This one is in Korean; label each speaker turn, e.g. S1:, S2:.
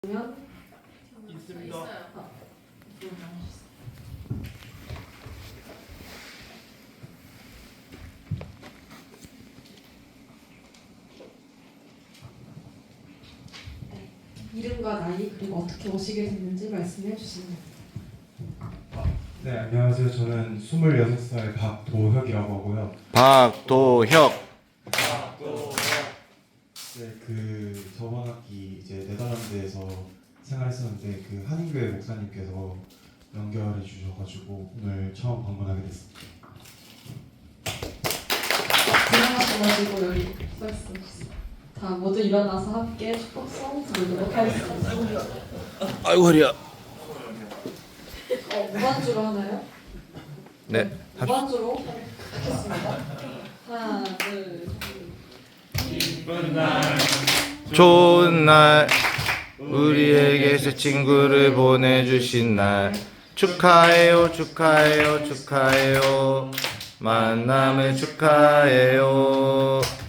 S1: 면
S2: 있습니다.
S1: 이름과 나이 그리고 어떻게 오시게 됐는지 말씀해 주시면
S3: 네, 안녕하세요. 저는 26살 박도혁이라고 하고요.
S4: 박도혁.
S3: 네, 저번 학기 이제 네덜란드에서 생활했었는데 한인교회 목사님께서 연결해 주셔가지고 오늘 처음 방문하게 됐습니다.
S1: 일어나셔가지고 여기 서 있습니다. 다 모두 일어나서 함께 축복성 부르도록 하겠습니다.
S4: 아이고 허리야.
S1: 무반주로 하나요?
S4: 네.
S1: 무반주로 하겠습니다. 하나, 둘,
S4: 좋은 날 우리에게 새 친구를 보내주신 날 축하해요 축하해요 축하해요 만남을 축하해요.